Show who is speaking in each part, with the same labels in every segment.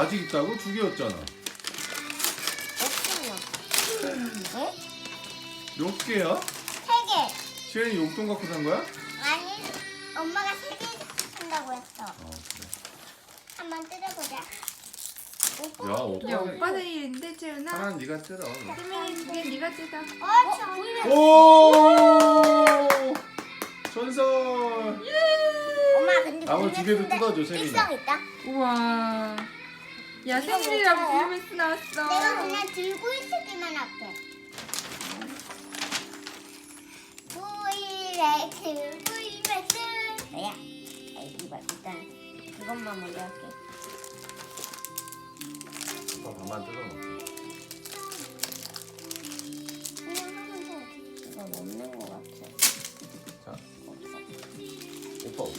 Speaker 1: 아직 있다고? 2개였잖아.
Speaker 2: 어?
Speaker 1: 몇 개야?
Speaker 2: 3개.
Speaker 1: 시현이 용돈 갖고 산 거야?
Speaker 2: 아니, 엄마가 3개 산다고 했어.
Speaker 1: 그래.
Speaker 2: 한번 뜯어보자.
Speaker 1: 야, 오빠.
Speaker 3: 야, 오빠 생일인데, 채은아?
Speaker 1: 하나는 네가 뜯어.
Speaker 3: 세민이 2개 네가 뜯어.
Speaker 1: 오! 전설!
Speaker 2: 엄마 근데
Speaker 1: 나머지 2개도 뜯어줘, 세민아.
Speaker 2: 일성 있다.
Speaker 3: 우와. 야, 생일이라고 블루베스 나왔어.
Speaker 2: 내가 그냥 들고 있으기만 할게. 브이렉스. 뭐야? 이거 일단 그것만 먼저 할게.
Speaker 1: 오빠 밥만 뜯어놓고.
Speaker 2: 그냥 하면 돼. 이거 없는 것 같아.
Speaker 1: 자,
Speaker 2: 없어.
Speaker 1: 오빠 없어.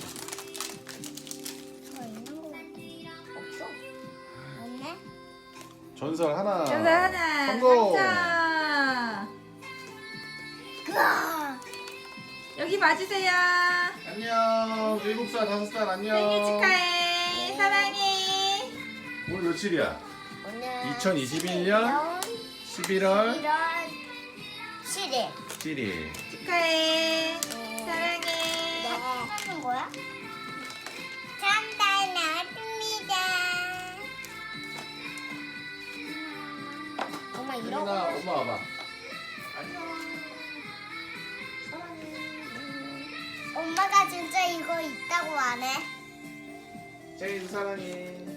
Speaker 2: 저 있는 것 같아. 없어. 없네.
Speaker 1: 전설 하나.
Speaker 3: 전설 하나.
Speaker 1: 성공!
Speaker 3: 당첨.
Speaker 2: 으아!
Speaker 3: 여기 봐주세요.
Speaker 1: 안녕. 7살, 5살 안녕.
Speaker 3: 생일 축하해. 사랑해.
Speaker 1: 오늘 며칠이야?
Speaker 2: 오늘
Speaker 1: 2021년 11월
Speaker 2: 1월 7일.
Speaker 1: 7일.
Speaker 3: 축하해. 사랑해.
Speaker 2: 하는 거야? 전달 나왔습니다. 엄마 이러고
Speaker 1: 세민아, 엄마 와봐.
Speaker 2: 엄마가 진짜 이거 있다고 안 해?
Speaker 1: 제인 사랑해.